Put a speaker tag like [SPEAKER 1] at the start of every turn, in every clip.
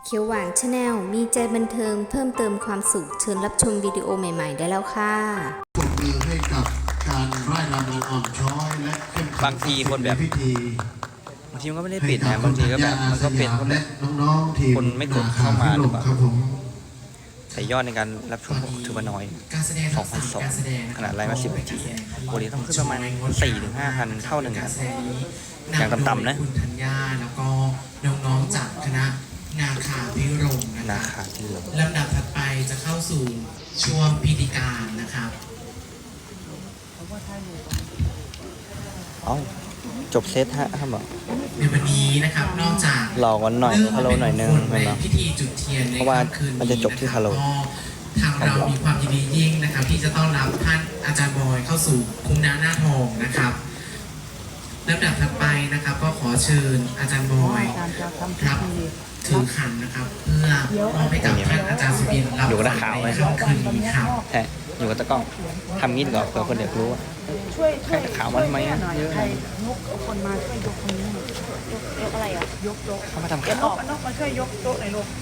[SPEAKER 1] เขียวหวานชาแนลมีใจบันเทิงเพิ่มเติมความสุขเชิญรับชมวิดีโอใหม่ๆได้แล้วค่ะ
[SPEAKER 2] ปรบมือให้กับการร่ายรำนางอ่อนช้อยและเข้มขัน
[SPEAKER 3] บางทีคนแบบ
[SPEAKER 2] พิธี
[SPEAKER 3] บางทีมันก็ไม่ได้ปิดนะบางทีก็แบบมันก็เป็นคนแบบ
[SPEAKER 2] น้องๆทีม
[SPEAKER 3] คนไม่กดเข้ามาหรือเปล่า
[SPEAKER 2] ครับผม
[SPEAKER 3] แต่ยอดในการรับชมถือว่าน้อย
[SPEAKER 4] การแสดงทักษะการแสดง
[SPEAKER 3] ขนาดไลฟ์มา10 นาทีปกติต้องขึ้นประมาณ 4-5,000 เท่าหนึ่ง
[SPEAKER 4] การ
[SPEAKER 3] นะ
[SPEAKER 4] แสดงนี้
[SPEAKER 3] อย่างต่ำๆนะ
[SPEAKER 4] คุณธัญญาแล้วก็น้องๆจากคณะนาคาพิรมย์นะ
[SPEAKER 3] นา
[SPEAKER 4] ค
[SPEAKER 3] คา
[SPEAKER 4] รับ
[SPEAKER 3] ที่เหลือ
[SPEAKER 4] ลำดับถัดไปจะเข้าสู่ช่วงพิธีการนะครับ
[SPEAKER 3] เอ้าจบเซตฮะครับบอก
[SPEAKER 4] ในวันนี้นะครับนอกจาก
[SPEAKER 3] รอกันหน่อยฮัลโหลหน่อยนึง
[SPEAKER 4] ใน
[SPEAKER 3] เห็นไหม
[SPEAKER 4] พิธีจุดเทียนใน
[SPEAKER 3] เพราะว่า
[SPEAKER 4] ค่ำคืน
[SPEAKER 3] มันจะจบที่ฮัลโหล
[SPEAKER 4] ทางเรามีความยินดียิ่งนะครับ ที่จะต้อนรับท่านอาจารย์บอยเข้าสู่คุ้มน้ำหน้าทองนะครับลำดับถัดไปนะครับก็ขอเชิญอาจารย์บอยรับถือขันนะครับ เพื่อมอบให้กับท่านอาจารย์สุบินรับ
[SPEAKER 3] อยู่กับนักข่าวไหม
[SPEAKER 4] ในค่ำคืนนี้ครับ
[SPEAKER 3] แท้อยู่กับตะกล้องทำงี้ดีกว่าเผื่อคนอยากรู้ว่า
[SPEAKER 5] ช่วย
[SPEAKER 3] ใครข่าวมาทำไมอะ
[SPEAKER 5] หน่อย
[SPEAKER 3] เยอะ
[SPEAKER 5] ใครยกเอาคนมาช่วยยกคนนี้หน่อยยกอะไรอ่ะยก
[SPEAKER 3] เขามาทำ
[SPEAKER 5] เดี๋ย
[SPEAKER 3] ข่าว ว
[SPEAKER 5] นกมาช่วยยกโต๊ะหน่อยลูก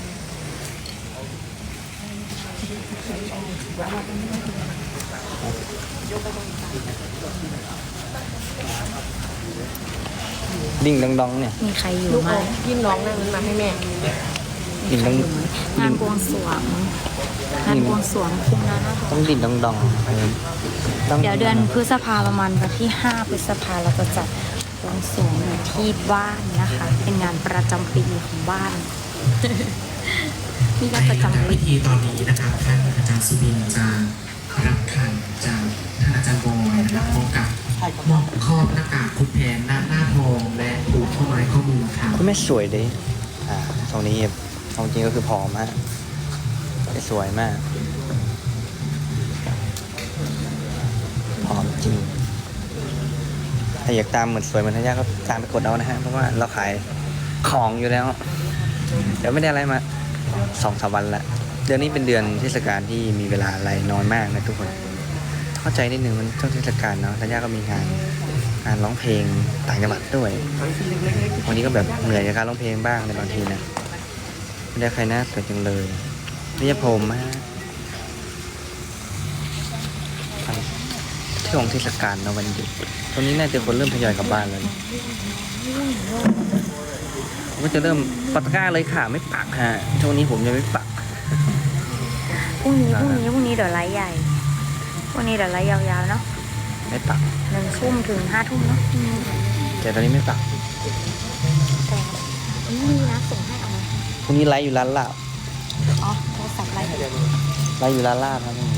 [SPEAKER 3] ดิ่งดองๆเนี่ย
[SPEAKER 6] มีใครอยู่
[SPEAKER 5] ลูก
[SPEAKER 6] ไหม
[SPEAKER 5] เอายิ้มน้องนั่งมาให้แม่
[SPEAKER 3] ดิ่งดอง
[SPEAKER 6] งานบวงสรวงงานบวงสรวงคุ้มนะนะ
[SPEAKER 3] ต้องดิ่งดองๆต้อง
[SPEAKER 6] เดี๋ยวเดือนพฤษภาประมาณวันที่ 5 พฤษภาเราจะจัดบวงสรวงอยู่ที่บ้านนะคะ เป็นงานประจำปีของบ้าน นี่ก็ประจำ
[SPEAKER 4] ใน
[SPEAKER 6] ปี
[SPEAKER 4] พิธีตอนนี้นะครับท่านอาจารย์สุบินจะรับขันจากท่านอาจารย์บอยนะครับพร้อมกับมอบครอบหน้ากากคุณแผนหน้าทองและผูกข้อไม้ข้อมือครับ
[SPEAKER 3] คุณแม่สวยดิตรงนี้เอาจริงก็คือผอมฮะสวยมากผอมจริงถ้าอยากตามเหมือนสวยเหมือนทัญญาก็ตามไปกดเอานะฮะเพราะว่าเราขายของอยู่แล้ว เดี๋ยวไม่ได้อะไรมา2-3 วันละเดือนนี้เป็นเดือนเทศกาลที่มีเวลาอะไรน้อยมากนะทุกคนเข้าใจนิดนึงมันช่วงเทศกาลเนาะทัญญาก็มีงานร้องเพลงต่างจังหวัดด้วยวันนี้ก็แบบเหนื่อยกับการร้องเพลงบ้างในบางทีนะไม่ได้ใครน่าสวยจังเลยนี่จะผมฮะช่วงเทศกาลเนาะวันหยุดตรงนี้น่าจะคนเริ่มทยอยกลับบ้านแล้วผมก็จะเริ่มปักตะกร้าเลยค่ะไม่ปักฮะช่วงนี้ผมยังไม่ปัก
[SPEAKER 6] พรุ่งนี้เดี๋ยวไลฟ์ใหญ่พรุ่งนี้เดี๋ยวไลฟ์ยาวๆเนาะ
[SPEAKER 3] ไม่ปัก
[SPEAKER 6] 1 ทุ่มถึง 5 ทุ่มเนาะ
[SPEAKER 3] แต่ตอนนี้ไม่ปัก
[SPEAKER 6] แต่นี่นะส่งให้เอาไหม
[SPEAKER 3] พรุ่งนี้ไลฟ์อยู่ร้านลาบ
[SPEAKER 6] อ๋อโทรศัพท์ไลฟ์
[SPEAKER 3] ไลฟ์อยู่ร้านลาบครับ